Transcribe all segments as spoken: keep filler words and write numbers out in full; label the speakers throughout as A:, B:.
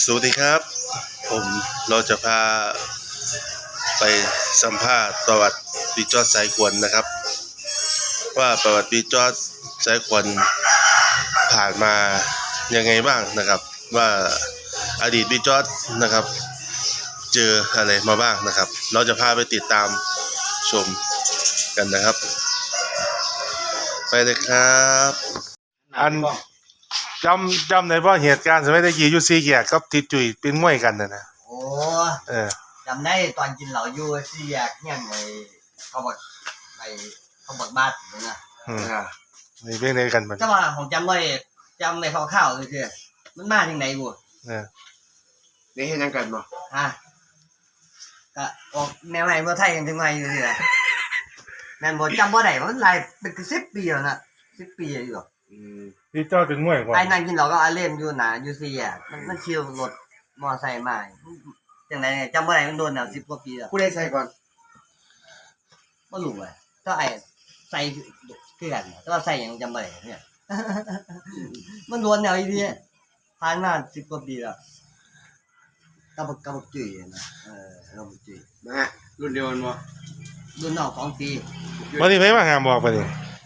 A: สวัสดีครับผมเราจะพาไปสัมภาษณ์ประวัติปีจอดสายขวัญนะครับว่าประวัติปีจอดสายขวัญผ่านมายังไงบ้างนะครับว่าอดีตปีจอดนะครับเจออะไรมาบ้างนะครับเราจะพาไปติดตามชมกันนะครับไปเลยครับอันจำจำในว่าเหตุการณ์สมัยตะกี้อยู่ซีแยกกับทิดจุยเป็นมวยกันนะนะ
B: โอ้
A: เออ
B: จำได้ตอนกินเหล้าอยู่สี่แยกเฮียนไอ้เขาบอกไอ้เขาบอกบ้านนั่นน่ะ
A: อืมนี่เป็นไงกันบัด
B: แต่ว่าผมจำได้จำได้คร่าวๆเลยคือมันมาจังได๋บ่
A: เออ
C: ได้เฮ็ดหยังกันบ่
B: ฮะก็ออกแนวไหนบ่ไทยกันจังไงอยู่นี่แหละแม่นบ่จำบ่ได้มันหลายเป็นสิบปีแล้วนะสิบปีอยู่
C: อืม
A: พี่เจ้าเป็นมวยก่อน
B: ไอ้นั่นกินเหล้าก็อาเล่นอยู่น่ะอยู่สี่แยกมันมันขี่รถมอไซค์มาจังได๋จำบ่ได้มันโดนแล้วสิบกว่าปีแล้ว
C: ผู้ใดใส่ก่อน
B: บ่รู้ว่าถ้าไอ้ใส่คือกันแต่ว่าใส่หยังจำบ่ได้เนี่ย มันโดนแนวอีนี่ผ่านมาสิบกว่าปีแล้วกะบักกะบักจุ้ยนะเออกะบักจุ้ย
C: นะฮะรุ่นเดียวกันบ่
B: รุ่นน้องสองปี
A: วันนี้ไผมาหาบอกบัดนี้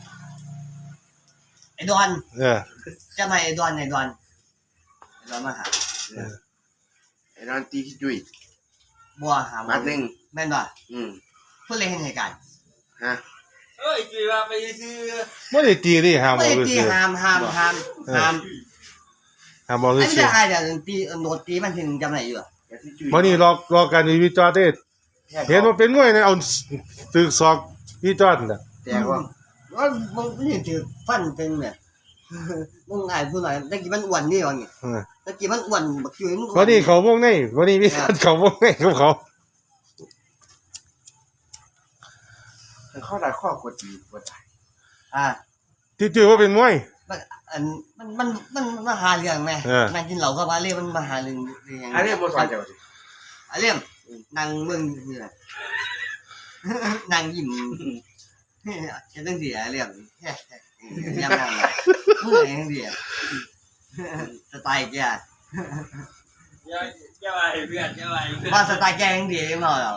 B: ไอ้ดอน
A: เออ
B: จำให้ไอ้ดอนไอ้ดอนไอ้ดอนมาหา
C: เออไอ้ร้านตีขี้จุ้ย
B: บ่หา
C: บัดนึง
B: แม่นบ่
C: อืม
B: เพิ่นเลยเห็นเหตุการณ์
C: ฮะ
D: เอ้ยจุ้ยว่าไปซื้อ
A: บ่ได้ตีดิหาบ
B: บ่
A: อก
B: ได้ตี
A: ซื่อ
B: ห้ามห้ามห้ามห้าม
A: หาบอก
B: ไอ้
A: ซื่
B: เรื่
A: อ
B: องอ้ายเดี๋ยวตีโดนตีมันถึงจำได้อยู่
A: วันนี้รอรอกันอยู่พี่จอดเด้เห็นว่าเป็นมวยเนี่ยเอาตึกศอกพี่จอดน่ะ
C: แต่ว่า
B: ว่ามึงนี่ถือฟันเป็นเนี่ยมึงอ้ายผู้น้อยตะกี้มันอ้วนนี่ว่านี่
A: เออ
B: ตะกี้มันอ้วนบักจุ้ยมัน
A: วันนี้เขาวงในวันนี้มีเขาวงในกับเขา
C: เข้าได้ข้อกดดีบ่ได้
B: อ่า
A: ที่จื่อว่าเป็นมวย
B: มันอันมันมันมันมาหาเรื่องแม่นั่งกินเหล้าก็มาเรียกมันมาหาเรื่องเรื่อง
C: อันนี้บ่สอนเจ้าสิ
B: อ่ะเรื่องนั่งเบิ่งนี่แหละนั่งยิ้มจะต้องเสียเรื่องยังนั่งเมื่อยจังซี่สไตล์แก
D: อย่าอย่าไปเพื่อนอย่าไปเพื่อน
B: ว่าสไตล์แกจังซี่เนาะ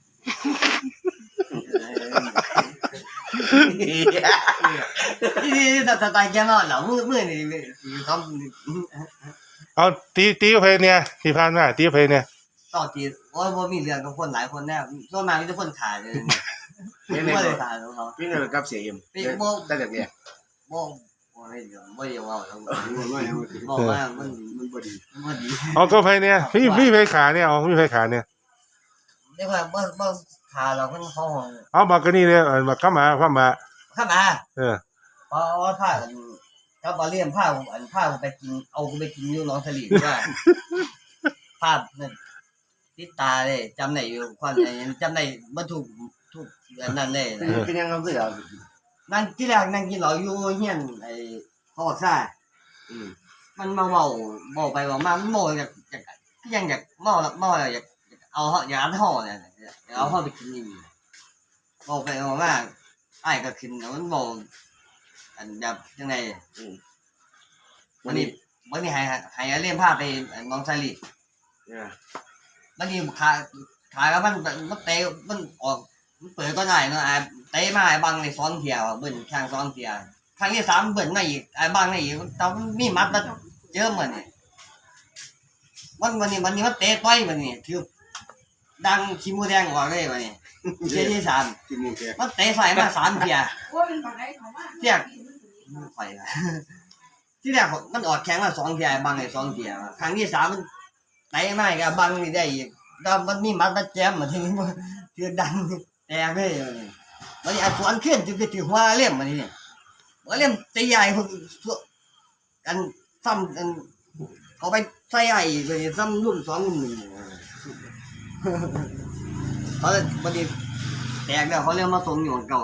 B: นี่สไตล์แกเนาะเหรอมื้อมื้อนี่ทำ
A: เอาตีตีกับเพเนี่ยที่ผ่านมาตีกับเพเนี่ย
B: ต่อจีโอ้ยบ่มีเรื่องกับคนหลายคนแน่ส่วนมากมีแต่คนขายเลยบ่ได้ขายของเขา
C: พี่เนอกับเสียเอ็มได้แต่เนี่ย
B: บ่บ่ได้เรื่องบ่ได้เว้าแล้วบ่
C: บ่
B: ว่ามัน
C: มันบ่ดี
B: มันบ่ดี
A: เอาก็เพเนี่ยพี่พี่เพขาเนี่ยเอาพี่เพขาเนี่ย
B: เรียกว่าบ่บ่ขาเรามันเขาห้อง
A: เอามากนี่เนี่ยมาเข้ามาเข้ามา
B: เข้ามา
A: เออ
B: พอพากันก็บ่เลี้ยงพาอันพาไปกินเอาไปกินอยู่หนองสลีว่าภาพนั่นติดตาเลยจำได้อยู่ความจำได้บ่ถูกทุกอันนั้นเลย
C: เป็นยังเอาเสือ
B: นั่งที่แรกนั่งกินเหล้าอยู่เฮียนไอ้เขาบอกซ่าอืมมันมาเว้าเว้าไปเว้ามามันโมอยากอยากยังอยากเมาเมาแล้วอยากเอาเฮาอยากเอาเฮาเนี่ยเอาเฮาไปกินนี่เว้าไปเว้ามาอ้ายก็ขึ้นมันเว้าอันแบบจังได๋อืมวันนี้วันนี้ให้ให้เล่นพาไปน้องชายลี
C: เออ
B: มันนี่ขาขาก็มันมันเตะมันออกมันเปิดก็ได้เนาะไอ้เตะมาไอ้บังในสองเที่ยวเบิ่นข้างสองเที่ยวครั้งที่สามเบิ่นมาอีกไอ้บังในอีกตอนมีมัดมาเจอเหมือนนี่วันวันนี้วันนี้มันเตะต่อยมันนี่คือดังขี้มูแดงออกเลยวันนี้เที่ยวที่สาม
C: ขี้มูแดง
B: มันเตะใส่มาสามเที่ยวเที่ยไฟที่แรกมันออกแข้งมาสองเที่ยวบังในสองเที่ยวครั้งที่สามมันเตะมาก็บังนี่ได้อีกแล้วมันมีมัดมาแจมมาทีนี้คือดังแตกเลยมันนี่ไอ้สวนขึ้นจะไปถือหัวเลี่ยมมันนี่หัวเลี่ยมตีใหญ่พวกกันซ้ำกันเอาไปใส่ไอ้ไปซ้ำรุ่นสองรุ่นหนึ่งเขาบัดนี้แตกแล้วเขาเรียกมาส่งอยู่เก่า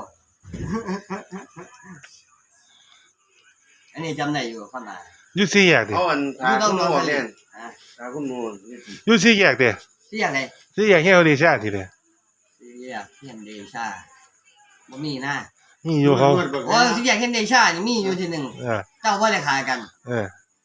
B: อันนี้จำได้อยู่ข้างหน้า
A: ยูซี่แยกดิ
C: เอาอันทาคุณโน่เนี่ยทาคุณโน่
A: ยูซี่แยกดิ
B: ซี่แยกไหน
A: ซี่แยกเฮียเดชาทีเดียว
B: ซี่แยกเฮียเดชาบ่มีนะ
A: นี่อยู่เขา
B: โอ้ซี่แยกเฮียเดชานี่มีอยู่ทีหนึ่งเจ้าว่าได้ขายกัน
A: เออ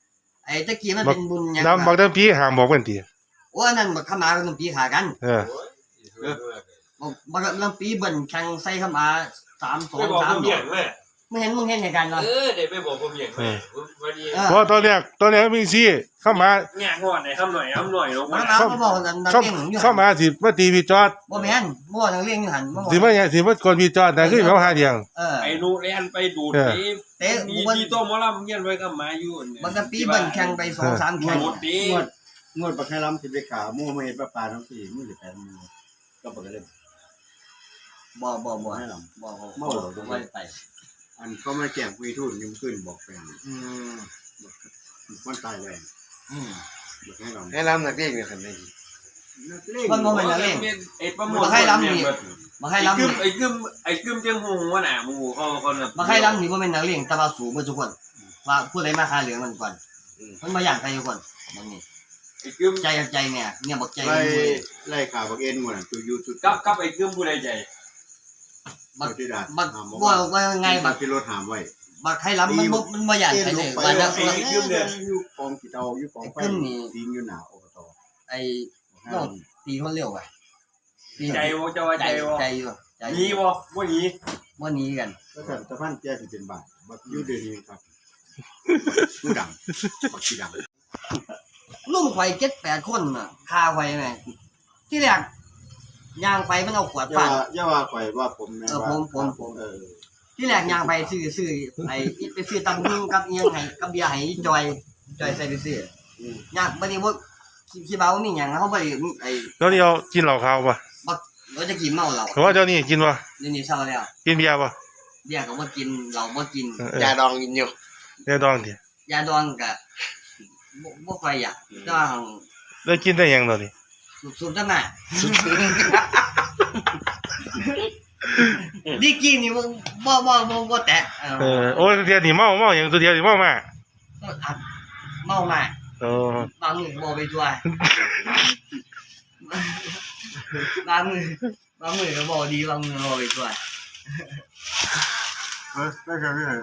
B: ไอ้ตะกี้มันเป็นบุญหยัง
A: น้ำบัก
B: วะ
A: ทั้งพี่ห้ามบอกกันติ
B: โอ้อันนั้นบักขมากับน้ำปีขากัน
A: เออ
B: บักบักน้ำปีเบิ่นแข่งใส่ขมาสามสอ
D: ไม่
B: ง
D: บอก
B: สา
D: ผม มอย่างเลย
B: มึงเห็นมึงเห็นเหตุการณ์บ่
D: เออเดี๋ยวไม่บอกผมอย่างเลยวันนี้
B: เออ
A: เพราะตอนแรกตอนแรกมีซี่เข้ามา
D: แง่งอนไหนคำหน่อยคำหน่อยลง
B: มั
D: มาน
B: มาบ่บอกนั่นนัก
A: เข้า
B: เลี้ยงอยู่
A: เข้ามาสิมาตีพี่จอด
B: บ่แม่นบ่นักเลี้ยงอยู่หั่นบ่บอก
A: สิมาหยังสิมาคนพี่จอดแต่คือเขาหาเดียง
B: เออ
D: ไอ้นูเรียนไปดูดไปมีมีตัวมอลล์เงี้ยไว้กับมาอยู่เนี่ย
B: มันก็ปีเบิ่นแข่งไปสองสามแข่ง
D: หมดดี
C: งวดงวดบักให้ล้ำสิไปขาหมู่มาเฮ็ดปลาปลาทั้งสี่มือสิแปดมือก็บ่ก็เลย
B: บ่บ่บ่
C: ให้ล้
B: บ่บ่
C: เมา
B: บ่
C: เหรอ
B: บ่ไปไป
C: ำอันเขามาแจ้งคุยทุนยังขึ้นบอกแฟน
B: อืม
C: มันตายแล้ว
B: อืม
C: บักให้ล้ำ
E: ให้ล้ำนักเรียนเนี่ยคันนี้
C: นักเลง
B: มันบ่แม่นนักเลง
D: ไอ้ประมวล
B: มาให้ล้ำนี่มาให้
D: ไอ้
B: ล้ำ
D: กึ
B: นี่
D: มไอ้กึมไอ้กึมจังหูว่าหนาหมูเขาคนแบบ
B: มาให้ล้ำนี่บ่แม่นนักเลี้ยงแต่ว่าสูงเบิดทุกคนว่าผู้ใดมาคาเหลืองมันก่อนมันบ่อยากใครทุกคนมันนี่
D: ไอ้กึม
B: ใจกับใจเนี่ยเนี่ยบอกใจ
C: ไล่
B: กันมือ
C: ไล่ขาบักเอ็นหมดตัวยูทูบ
D: กับกับไอ้กึมผู้ใดใจ
B: บัก
C: ที่ดา
B: บักว่าว่าไง
C: บั
B: บั
C: ก
B: ก
C: ที่รถหามไว้
B: บักให้ล้ำมันบ่มันบ่อยากใครเลยว่าจะ
C: ไอ้กึมเนี่ยอยู่กองกี่เตาอยู่กองไฟทิ้งอยู่หน้าอบต
B: ไอ้น้องตีคนเร็วอ่ะตี
D: ใจวะจะว่า
B: ใจ
D: ใจวะ
B: ใจอยู่ใจ
D: นี้วะวันนี้
B: บ่หนีกัน
C: ก็สั่นตะพันแก้สิเป็นบาทบักยูเดนีครับผู้ดังบักสีดัง
B: ลุ่มไฟเจ็ดแปดคนน่ะคาไฟแม่ที่แรกย่างไปมันเอาขวด
C: อย่า
B: ฟาด
C: ว่าอย่าว่าข่อยว่าผมแม่
B: เออ
C: ว่า
B: ผมผมผม
C: เออ
B: ที่แรกย่างไปซื้อซื้อไอ้ไปซื้อตำลึงกับอีหยังให้กับเบียร์ให้จอยจอยใส่ไปซื้อย่างบัดนี้บ่คิดว่ามีหยังเฮาบ่ได้ไอ้
A: แล้วนี่เอากินเหล้าขาวป่ะ
B: บักเราจะกินเมาเหล้า
A: เพราะว่าเจ้านี่กินป่ะ
B: เดี๋ยวนี้เศร้าแล้ว
A: กินเบียร์ป่ะ
B: เบียร์ก็บ่กินเหล้าบ่กิน
A: เออย
E: าดองกินอยู่
A: เดี๋ยวดองดิ
B: ยาดองก็บ่บ่ค่อยอยากแต่ว่าหั่น
A: แล้วกินได้หยังตอนนี้
B: สูบๆจังหน่ะดีกี้นี่บ่บ่บ่บ่บ่แตะเอ
A: เออ
B: อ
A: โอ้ยตัวเดียวนี่เมาเมาอย่างตัวเดียวนี่เมามา
B: อัดเมามา
A: เออบ
B: างมือบ่ไปช่วย บางมือบางมือก็บ่ดีบางมือบ่ไปช่วย
C: เออได้ครับพี่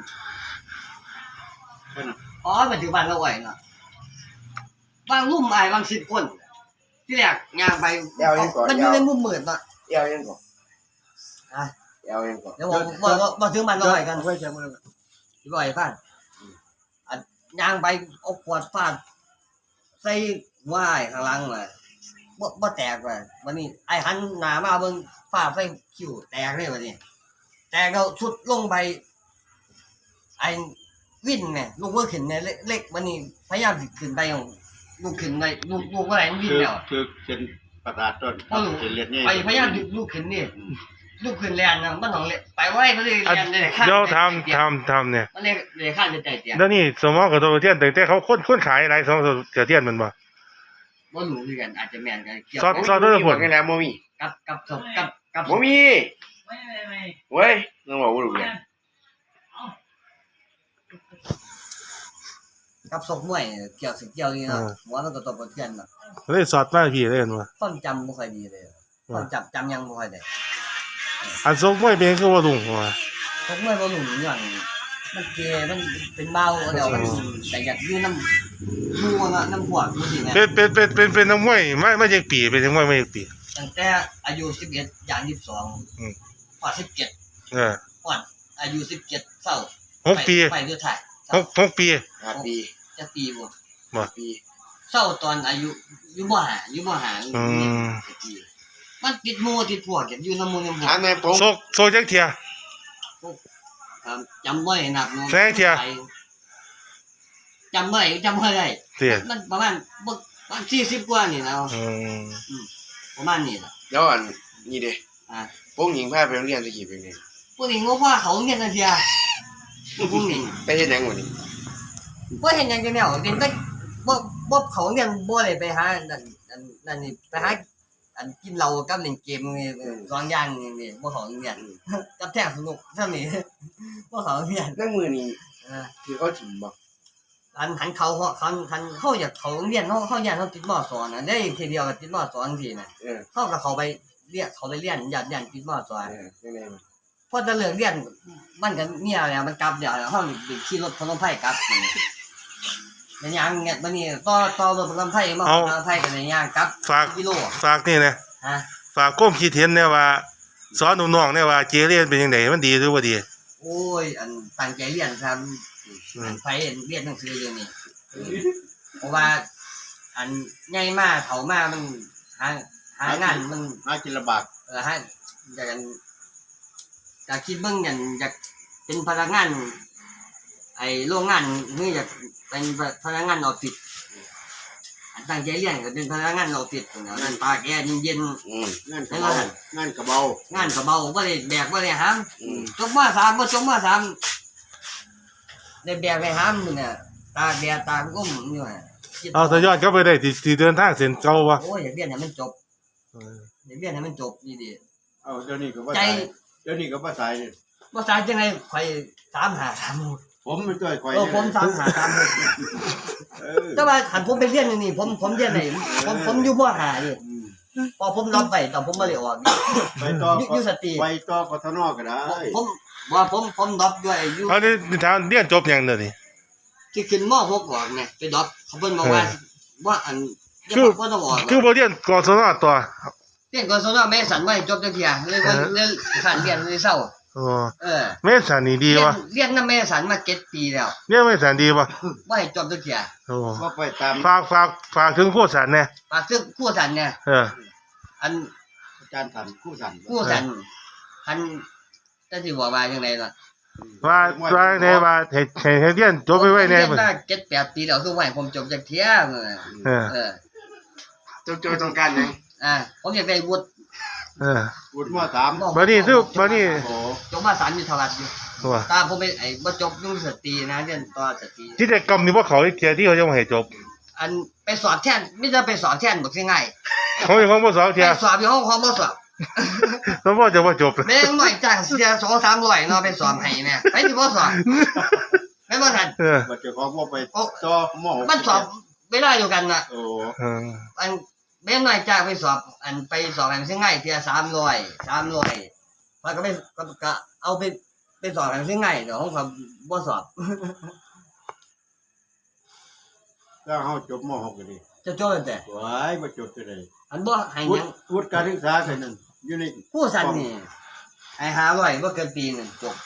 B: อ๋อปัจจุบันเราไหวเนาะบางรุ่มอายบางสิบคน ที่แรกย่างไปมันอยู่ในมุมมืดเนาะ
E: เอวยังก่อน
B: อ่ะ
E: เอวยังก่อน
B: เดี๋ยวบอกบอกบอกบอกถึงมันเราไหวกัน
C: ไว้ใช้มือ
B: ที่บ่อยฟังอันย่างไปเอาขวดฟาดใส่หัวอ้ายข้างหลังเลยบ่บ่แตกว่ะวันนี้ไอ้หันหน้ามาเบิ่งฟาดใส่คิ้วแตกเลยวันนี้แตกแล้วสุดลงไป ไอ้วินเนี่ยลูกว่าขึ้นเนี่ยเล็กวันนี้พยายามสิขึ้นไปของลูกขึ้นไปลูกลูกว่าไหนมันวิ่งแล้ว
C: คือเป็นประสาทต้นเป็นเลือดนี่
B: ไปพยายามลูกขึ้นนี่ลูกขึ้นแลนนะมันต้องเลยไปไว้มันเลย
A: อ่ะ
B: แลนเลยข้าง
A: เดี๋ยวทำทำทำเนี่ย
B: มันเลยเลยข้างจะใจเตียง
A: แล้วนี่สมองกับตัวเทียนแต่แต่เขาค้นค้นขายอะไรสมองกับเทียนมันบ่
B: บ่รู้คือกันอาจจะแม่นกันเกี่ยว
A: ซอสซอสด้วยผล
E: กันแล้วโมมี
B: กับกับศพกับกับ
E: โมมีเว้ยต้องบอกว่ารู้เรื่อง
B: กับศพมวยเกี่ยวสิเกี่ยวนี่เนาะหัวมันก็ตบกระเทือนเนาะ
A: เลยสอดมาพี่เลยมันว่า
B: ความจำบ่ค่อยดีเลยความจำจำยังบ่ค่อยได้
A: อันซกไม่เป็นคือว่าลุงว่า
B: ศพมวยบ่รู้หยังมันเกมันเป็นเบาเดี๋ยวมันแต่อยากอยู่น้ำมูเนาะน้ำพวกจังซี่แหม
A: เป็นเป็นเป็นเป็นเป็นนักมวยไม่ไม่ใช่ปีเป็นนักมวยไม่ใช่ปี
B: ตั้งแต่อายุสิบเอ็ดอย่างยี่สิบสอง
A: อืม
B: กว่าสิบเจ็ด
A: เออก
B: ว่าอายุสิบเจ็ดเศร้า
A: หกปี
B: ไปสุดท้าย
A: หกหกปี
E: ห้าปี
B: จะปีบ่
A: บ่
E: ปี
B: เศร้าตอนอายุอยู่บ่หาอยู่บ่หา
A: อืม
B: จะปีมันติดหมู่ติดพวกอยู่น้ำหมู่น้ำพว
E: ถาก มนายผม
A: โซกโซกจักเทีย
B: ครับจำบ่ได้นักเนาะ
A: แสงเที่ย
B: จำบ่ได้จำบ่ได้
A: เทีย
B: มันประมาณบ่ประมาณสี่สิบกว่านี่นะ
A: อืม
B: ประมาณนี้ล่ะ
E: แล้วอันนี่เด้
B: อ่า
E: พวกหญิงพาไปโรงเรียนตะกี้เป็นไง
B: พวกนี้งงว่าเขาเรียนจังซี่อ่ะพวกนี้
E: ไปเฮ็ดหยังวันนี้
B: บ่เห็นหยังจังแนวเรียนแต่บ่บ่เขาเรียนบ่ได้ไปหานั่นนั่นนั่นนี่ไปหาอันกินเหล้ากับเล่นเกมนี่สองอย่างนี่นี่บ่เขาเรียนกับแท้สนุกเท่านี้บ่เขาเรียน
E: นั่งมือนี่
B: อ่า
E: คือเขาถิ่มบ่
B: อันหันเขาเขาคันคันเขาอยากเขาเรียนเฮาเฮาอยากเฮาติดมอสอนน่ะได้ทีเดียวก็ติดมอสอนจังซี่น่ะ
E: เออ
B: เฮาก็เขาไปเรียนเขาไปเรียนอยากอยากติดมอสอน
E: เออยังไงมัน
B: พอจะเลิกเรียนมันก็เมียแล้วมันกลับเดี๋ยวเฮาสิขี่รถพนมไผกลับนี่ในย่างเนี่ยบัดนี้ต่อต่อรถประกันภัยมาประกันภัยกันในย่างกลับ
A: ฝาก
B: กิโล
A: ฝากนี่นะ
B: ฮะ
A: ฝากก้มคิดเห็นเนี่ยว่าสอนน้องๆเนี่ยว่าเกเรเป็นยังไงมันดีหรือว่าดี
B: โอ้ยอันตั้งใจเรียนครับอันไปเรียนหนังสือเรื่องนี้เพราะว่าอันใหญ่มากเฒ่ามามันหาหางานมัน
C: หากินลำบาก
B: เออฮะอยากกันอยากคิดเบิ่งอย่างอยากเป็นพนักงานไอ้โรงงานนี่อยากเป็นพนักงานออฟฟิศอันตั้งใจเรียนก็เป็นพนักงานออฟฟิศอย่างนั้นตากแอร์เย็น
C: อืมงานกระเบางานกระเบา
B: ๆงานก็เบาบ่ได้แบกบ่ได้หาม
C: อืม
B: จบมสามบ่จบมสามได้แบกไปหามนี่น่ะตากแดดตากลมอยู่น่ะ
A: เอาถ้าย้อนกลับไปได้ที่ที่เดินทางเส้นเก่าบ่
B: โอ้ยอยากเรียนให้มันจบอยากเรียนให้มันจบนี่ดิ
C: เอาเดี๋ยวนี้ก็ว่า
B: ใจ
C: ตายเดี๋ยวนี้ก็ว่าตายเนี่ย
B: บ่ตายจังได๋ข่อยสามหาสามหก
C: ผมไม่ช่วยคอย
B: เออผมสามหาสามหก
C: เออ
B: แต่ว่าหันผมไปเรียนนี่ผมผมเรียนไหนผมผมอยู่มห้านี่
C: อืม
B: พอผมรับไปแต่ผมบ่ได้ออกนี่
C: ไปต่อ
B: อยู่อยู่สตรี
C: ไปต่อกทนก็ได้
B: ผมว่าผมผมดรอปด้วยอยู่
A: เอานี่ถามเรียนจบยังเด้อนี่
B: ที่ขึ้นมหกออกไงไปดรอปเขาเพิ่นบอกว่าว่าอันยัง
A: คือ
B: บ่ต้องออกหรอก
A: คือบ่เรียนกศนต่อ
B: เรียนก่อนสนอแม่สันไว้จบจังเที่ยเลยว่าเรียนขันเรียนเลยเศร้า
A: อ๋อ
B: เออ
A: เมษานี่ดี
B: เรียน
A: วะ
B: เรียนนำแม่สันมาเจ็ดปีแล้ว
A: เรียนเมษาดีวะ
B: บ่ให้จบจังเที่ย
A: โอ้
C: ก็ไปตาม
A: ฝากฝากฝากถึงผู้สันแน่
B: ฝากซึ่งคู่สันเนี่ย
A: เออ
B: อัน
C: อาจารย์ทันคู่สัน
B: คู่สันอันจะสิบอกว่าจังไดล่ะ
A: ว่าว่าในว่าให้ให้ให้เรียนจบไปไว้แน่
B: เรีย
A: เพิ่น
B: นมาเจ็ดแปดปีแล้วคือว่าให้ผมจบจังเที่ยเออ
A: เออ
B: เออ
C: จบจบต้องการยัง
B: อ่าผมอยากได้วุฒิ
A: เออ
C: วุฒิมสาม
A: บัดนี้คือบัดนี้
C: โอ้
B: จบมาสามอยู่เท่าไหร่อยู่
A: ว่า
B: ตามผมไปไอ้บ่จบยุ่งสตรีนะเรียนต่อสตรี
A: กิจกรรมนี่บ่เขาอีกเที่ยที่เขาจะมาให้จบ
B: อันไปสอนแทนไม่ได้ไปสอนแทนบอกง่าย
A: เขาเป็นของบ่สอง
B: ๆ
A: เที่ย
B: ไปสอบอยู่ห้องความบ่สอบ
A: แล้วบ่จะบ่จบ
B: แม่งหน่อยจ้างเสียสองสามร้อยเนาะไปสอนให้แม่ไปที่บ่สอบแม่บ่ทัน
A: เออ
C: บัดเจ้าของบ่ไป
B: โอ้
C: ต่อหมอ
B: มันสอบเวลาเดียวกันน่ะ
C: โอ้
A: เออ
B: อันแม่งหน่อยจ้างไปสอบ อันไปสอบให้มันง่ายเทียสามร้อยสามร้อยมันก็ไปก็ก็เอาไปไปสอบให้มันง่ายเดี๋ยวของเขาบ่สอบ
C: ถ้าเฮาจบมหกก็ดี
B: จะจบแต่
C: ไว้บ่จบก็ได้
B: อันบ่ให้
C: วุ
B: หยั
C: ฒิ
B: ง
C: วุฒิการศึกษาแค่นั้นอยู่ใน
B: ผู้สันนี่ไอ้ห้าร้อยบ่เกินปีหนึงจบ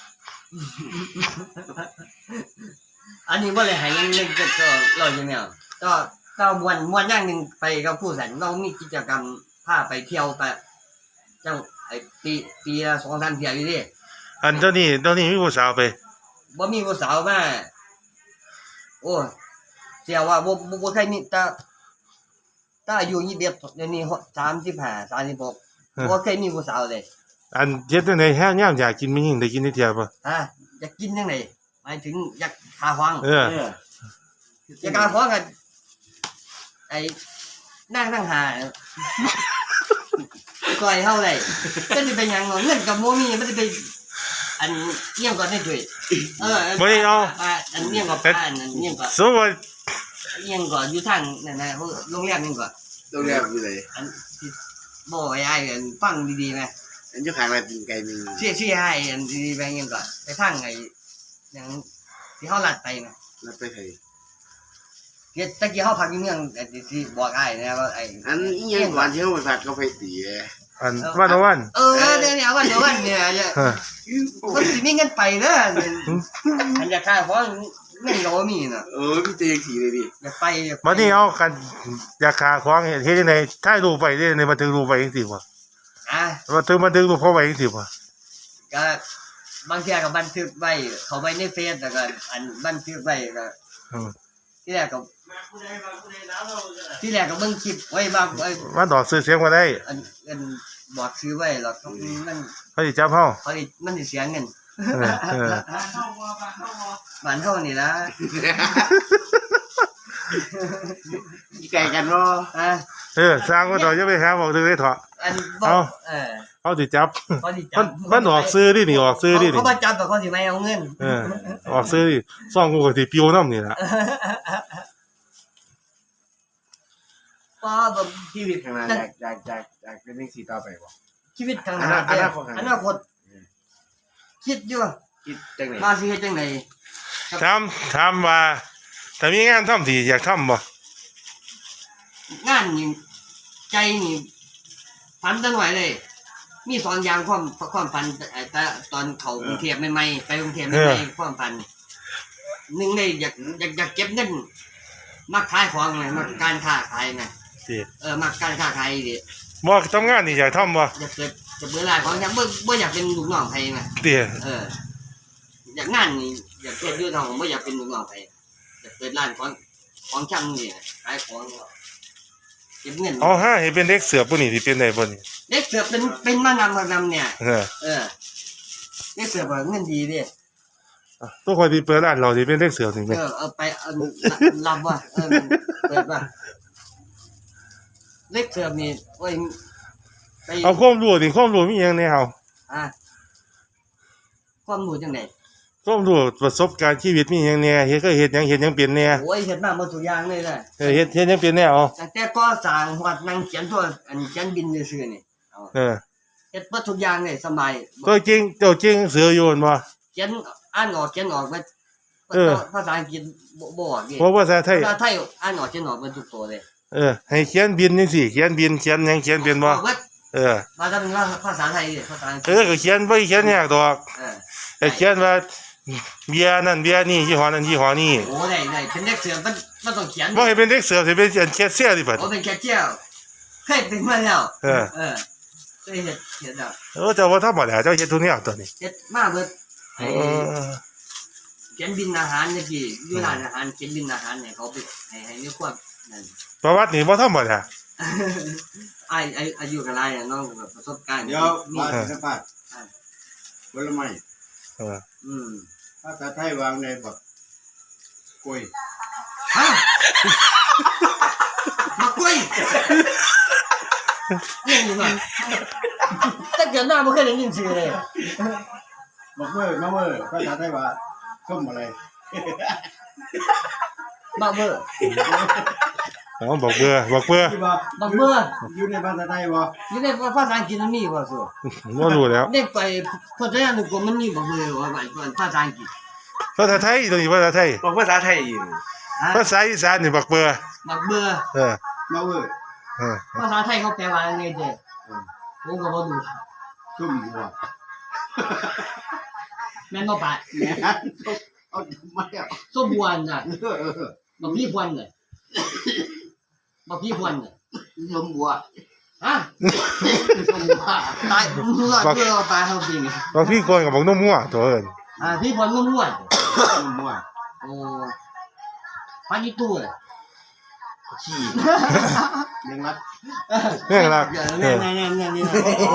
B: อันนี้ว่าเลยหายยังนึงก็ก็เราอย่างเนี้ยก็ก็มวนมวนอย่างหนึ่งไปกับผู้สันเรามีกิจกรรมพาไปเที่ยวไปเจ้าไอ้ปีปีละสองสามเที่ยวอยู่ดิ
A: อันเจ้านี่เจ้านี่มีผู้สาวไป
B: บ่มีผู้สาวมาโอ้เสียว่าบ่บ่บ่เคยมีแต่แต่อายุยี่สิบเอ็ดเดี๋ยวนี้สามสิบห้า สามสิบหกบ่เคยมีผู้สาวเลย
A: อันเฮ็ดจังได๋แฮ่ยามอยากกินมีหยังได้กินได้เที่ยบ่
B: ฮะอยากกินจังได๋หมายถึงอยากหาฟัง
A: เออ
C: เออ
B: อยากหาฟังกันไอ้นั่งนั่งหาก่อยเฮาได้ก็สิเป็นหยังเนาะเงินกับบ่มีมันสิไปอันเยี่ยมก่อนได้ด้วยเออ
A: บ่ได้เอา
B: อันเยี่ยมก่อนป้าอันเยี่ยมก่อน
A: สมมุติว่า
B: เยี่ยมก่อนอยู่ทางนั่นน่ะโรงแรมนี่ก่อน
E: โรงแรมอยู่ไหน
B: อันที่บ่ไอ้ไอ้อันฟังดีๆนะ
E: อันอยู่ข้างร้านตีนไก่มี
B: เสียเสียให้อันดีๆไปเยี่ยมก่อนไปทางไอ้หยังที่เฮาลัดไปนะ
E: แล้วไปไทย
B: เดี๋ยวตะกี้เฮาพักอยู่เมืองไอ้ที่บอกอ้ายนะว่าไอ้
E: อันอีหยังก่อนที่เฮาไปพักเขาไปตีเอ้ย
A: อันวันต่อวัน
B: เออเดี๋ยวเนี่ยวันเดี๋ยววันเนี่ยเนี่ย
A: เออ
B: มันสิมีเงินไปเด้ออันอยากขายของเงินก็บ่มีน่ะ
E: เออพี่เตยสีเลยดิ
B: อยากไปอยากไป
A: บัดนี้เอากันอยากขาของเฮ็ดเฮ็ดจังได๋ถ่ายรูปไว้ได้ในบันทึกรูปไว้จังซี่บ่
B: อ่ะ
A: บันทึกบันทึกรูปเขาไว้จังซี่บ่
B: ก็บางเทีก็บันทึกไว้เขาไว้ในเฟซแล้วก็อันบันทึกไว้ก็
A: อืม
B: ที่แรกก็ที่แรกก็เบิ่งคลิปไว้บางไอ้
A: มันดอกซื้อเสียงบ่ได้
B: อันอันบอกซื้อไว้แล้วก็มัน
A: เขาสิจับเฮา
B: เขาสิมันสิเสียเงิน
A: เออเออ
B: บ้านเฮานี่ล่ะ
E: อีไก่กันบ่
B: อ่ะ
A: เออสร้างบ่ดอกจะไปหาบอกถึงได้เถาะ
B: อันบอ
A: เอา
B: กเออ
A: เขาสิจับ
B: เขาสิจั
A: มันมันออกซื้อดินี่ออกซื้อดิ
B: เขา
A: นี่
B: เขาบ่จับแต่เขาสิไม่เอาเงิน
A: เออออกซื้อดิซ่องกูก็สิปิวน้ำนี่ล่ะ
B: ป้าแบบ
E: ชีวิตข้างหน้าอยากอยากอยากอยากเป็นจังซี่ต่อไปบ่
B: ชีวิตข้างหน้า
E: อนาคต
B: อนาคตคิดอยู่
E: คิดจังได๋
B: มาสิเฮ็ดจังได๋
A: ถามถามว่าแต่มีงานทำที่อยากทำบ่
B: งานนี่ใจนี่ฝันตั้งหน่อยเลย มีสองอย่างความความฝันไอ้แต่ตอนเขากรุงเทพใหม่ๆไปกรุงเทพใหม่ๆความฝันหนึ่งเลยอยากอยากอยากเก็บเงินมักขายของไงมักการค้าขายไง
A: สิ
B: เออมักการค้าขายดิ
A: บ่ทำงานนี่อยากทำบ่
B: อยากเกิดจะเบื่อหลายของอยากบ่บ่อยากเป็นลูกน้องใครไง
A: เตี้ย
B: เอออยากงานนี่อยากเกิดอยู่น้องบ่อยากเป็นลูกน้องใครอยากเปิดร้านของของช่างนี่ขายของเก็บเงิน
A: เอาฮะให้เป็นเด็กเสือปุ่นนี่ที่เป็นได้บ่นี่
B: เด็กเสือเป็นเป็นมานำมานำเนี่ย
A: เออ
B: เออเด็กเสือเงินดีดิ
A: ตัวคนที่เปิดร้านเราที่เป็นเด็กเสือนี่แม่
B: เออเอาไปเอารับว่าเออเปิดว่าเด็กเสือนี่โอ้ยไป
A: เอาความรู้นี่ความรู้มีหยังแน่เอา
B: อ่ะความรู้จังได๋
A: ความรู้ประสบการณ์ชีวิตมีหยังแน่เฮ็ดเคยเฮ็ดหยังเฮ็ดหยังเป็นแน่
B: โอ้ยเฮ็ดมาหมดทุกอย่างเลยนะ
A: เออเฮ็ดเฮ็ดหยังเป็นแน่เอา
B: ตั้งแต่ก่อสร้างฮอดนั่งเขียนตัวอันเขียนบินซื่อๆนี่เอา
A: เออ
B: เฮ็ดหมดทุกอย่างเลยสบาย
A: ตัวจริงเจ้าจริงเสืออยู่นั่นบ่
B: เขียนอ่านออกเขียนออกเบิด
A: เออ
B: ภาษาอังกฤษบ่บ่ออกดิ
A: เพราะภาษาไทย
B: ภาษาไทยอ่านออกเขียนออกเบิดทุกตัวเลย
A: เออให้เขียนบินจังซี่เขียนบินเขียนหยังเขียนเป็นบ่
B: ออกเบิด
A: เออ
B: มาทำว่าภาษาไทยดิภาษาอังก
A: เอ
B: ฤษ
A: อก็เขียนบ่เขียนยากดอก
B: เออ
A: แต่เขียนว่าเบียร์นั่นเบียร์นี่ยี่ห้อนั้นยี่ห้อนี้
B: โอ้ได้ได้เป็นเด็กเสือมันมันต้องเขียน
A: บ่ให้เป็นเด็กเสือสิเป็นแคสเซียร์ดิบัด
B: โอ้เป็นแคชเชียร์เคยเป็นมาแล้ว
A: เออ
B: เออเคยเฮ็ดเฮ็ดแล้ว
A: เออเจ้าว่าธรรมดาเจ้าเฮ็ดทุกแนวตัวนี้
B: เฮ็ดมาเบิด
A: เอ
B: ให้
A: อ
B: เขียนบินอาหารจังซี่อยู่ร้านอาหารเขียนบินอาหารให้เขาไปให้ให้มีความนั่น
A: ประวัตินี่บ่ธรรมดา
B: ไอ้ไอ้อายุกับไรอะน้องแบบประสบการณ์
C: เดี๋ยว
B: มี
C: มาสัมภาษณ์ผลไม้
A: เออ
B: อืม
C: ภาษาไทยวางในบักกล้วย
B: ฮะมากล้วยเรื่องนี้มาแต่เกิดหน้าไม่เคยได้ยินชื่อเลย
C: บักเมื่อมะเมื่อภาษาไทยว่าส้มอะไร
B: บักเบอร์
A: เอาบอกเบื่อบอกเบื่อ
C: ที่ว่า
B: บักเบอร์
C: อยู่ในภาษาไทยว่า
B: นี่ในภาษาอังกฤษมันมีว่าสิ
A: บ่รู้แล้ว
B: เด็กไปพจนานุกรมมันมีบักเบอร์ว่าภาษาอังกฤษ
A: ภาษาไทยตัวนี้ภาษาไทย
E: บอกภาษาไทยอีก
B: ฮะ
A: ภาษาอีสานนี่บอกเบื่อ
B: บักเบอร์
A: เออ
C: มะเมื่อ
A: เออ
B: ภาษาไทยเขาแปลว่าอะไรเด้ผมก็บ่รู้
C: ส้มบัว
B: แม่นบ่ปะ
C: แหม่เอาทำไมอ่ะ
B: ส้มบวนน่ะ
C: เออเออ
B: บักพี่พวนน่ะบักพี่พวนน่ะ
C: ส้มบัว
B: ฮะส้มบัวตายมึงรอดเพื่อเอาตายเฮาจริง
A: บางพี่คนก็บอกนมมั่วตัวเอิ้น
B: อ่าพี่พวนม่วน
C: ส้มบัว
B: ๆโอ้ปานิตู้น่ะ
E: ขี้
C: เลี้ยงรัด
A: เรื่องรัก
B: เดี๋ยว
A: เออ
B: นี่ๆๆๆนี่นะ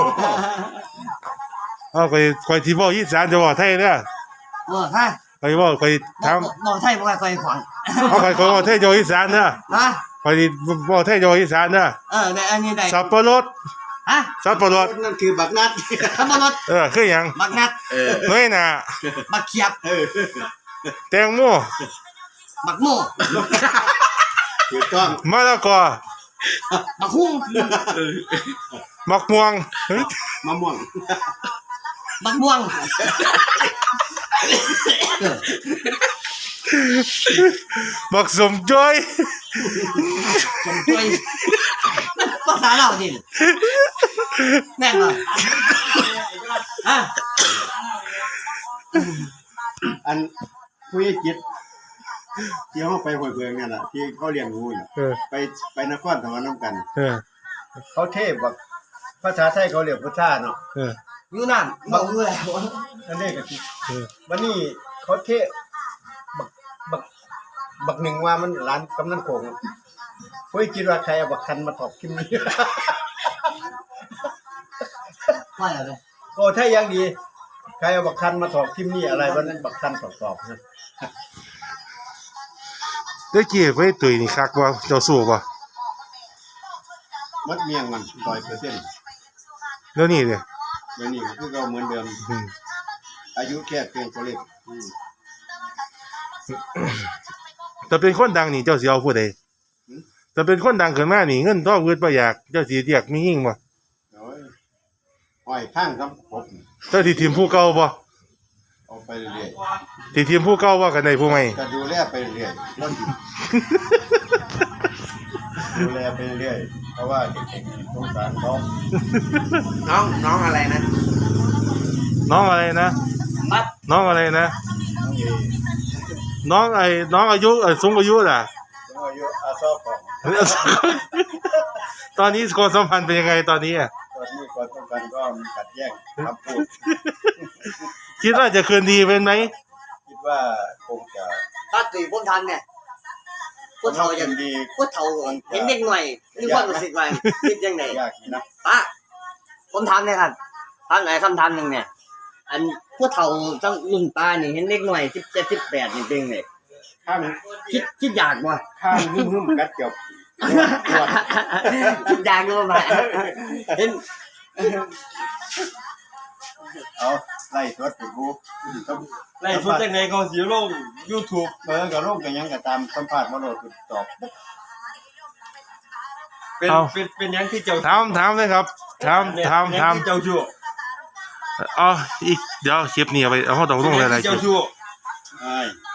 A: เอาไปคอยที่เว้าอีสานจะเว้าไทยเด้อ
B: โอ้ฮะ
A: คอยเว้าคอยถาม
B: บ่ไทยบ่ค่อยขวาง
A: เอาคอยคอยเว้าไทยจะเว้าอีสานเด้อ
B: ฮะ
A: คอยเว้าไทยจะเว้าอีสานเด้อ
B: เออได้อันนี้ได้
A: สับปะรด
B: ฮะ
A: สับปะรด
C: นั่นคือบักนัด
B: ขับรถ
A: เออคือหยัง
B: บักนัด
E: เออ
A: น้อยหน่า
B: บักเขียบ
C: เออ
A: แตงโม
B: บักโม่
C: ถูกต้อง
A: มะละกอ
B: บักหุ่ง
A: มักม่วงเฮ้ย
C: มะม่วง
B: บักม่วงเออ
A: บักสมจ้อย
B: สมช่วยภาษาเราดิแม่นบ่ฮะ
C: อันผู้ใหญ่จิตที่เขาไปห้วยเบืองเนี่ยแหละที่เขาเลี้ยงงูน่ะ
A: เออ
C: ไปไปนครสวรรค์น้ำกัน
A: เออ
C: เขาเทพแบบภาษาไทยเขาเรียกพุทธาเนาะ
A: เออ
B: อยู่นั่นบ่อยู่แล้ว
C: อันนี้ก็ที่
A: เออ
C: วันนี้เขาเทพบักบักบักหนึ่งว่ามันร้านกำนันโขงเฮ้ยคิดว่าใครเอาบักคันมาถอกคิมนี้
B: ว่าอะไร
C: โอ้ถ้ายังดีใครเอาบักคันมาถอกคิมนี่อะไรวันนั้นบักคันตอบๆนะ
A: ตะกี้ไปตุยนี่คักบ่เจ้าสู้บ่
C: มัดเมียงมันร้อยเปอร์เซ็นต์
A: แล้วนี่เด้
C: เดี๋ยวนี้ก็คือเราเหมือนเดิม
A: อืม
C: อายุแค่เพียงตัวเลขอืม
A: แต่เป็นคนดังนี่เจ้าสิเอาผู้ใดแต่เป็นคนดังขึ้นมานี่เงินทองเงินบ่อยากเจ้าสิเรียกมียิ่งบ่
C: โอ้ยอ้อยข้างครับผม
A: เจ้าสิทีมผู้เก่าบ่
C: เอาไปเรื่อย
A: ที่ทีมผู้เก่าว่ากันในผู้ใหม่
C: ๆก็ดูแลไปเรื่อยๆแล้วดูแลไปเรื่อยเพราะว่าเด็กๆสงสารเขา
B: น้องน้องอะไรนะ
A: น้องอะไรนะ
B: ปั๊บ
A: น้องอะไรนะ
C: น้องเอ
A: น้องไอ้น้องอายุเอ่อสูงอายุน่ะ
C: น้องอายุอาซอบของ
A: ตอนนี้ความสัมพันธ์เป็นยังไงตอนนี้อ่ะ
C: ตอนนี้ความต้องการก็มีขัดแย้งคำพูด
A: คิดว่าจะคืนดีเป็นไหม
C: คิดว่าคงจะ
B: ถ้าตีพวกทันเนี่ยพวกเฒ่าอย่าง
C: ดี
B: พวกเฒ่าเห็นเด็กหน่อยนี่ความรู้สึกว่าคิดยังไง
C: ยากอยู่นะ
B: ป้าผมถามเลยครับถามไหนคำถามหนึ่งเนี่ย อันพวกเฒ่าตั้งรุ่นป้านี่เห็นเด็กหน่อยสิบเจ็ดสิบแปดนี่เป็นไง
C: ข้าง
B: คิดคิดอยากบ่
C: ข้างหึ่มๆกัดเกี่ยวปวด
B: คิดอยากบ่มาเห็น
C: เอาไล่สดไปบูต้อง
D: ไล่ชุดจังไดก็สิลง YouTube
C: เออก็ลงกันยังก็ตามสัมภาษณ์มาโลดคือตอบ
D: เป็นเป็นเป็นหยังที่เจ้า
A: ถามถามเลยครับถามถามถาม
D: เจ้าชู้
A: อ๋ออีกเดี๋ยวคลิปนี้เอาไปเอาเข้าตรงตรงเลยนะ
D: เจ้าชู้
C: ใช่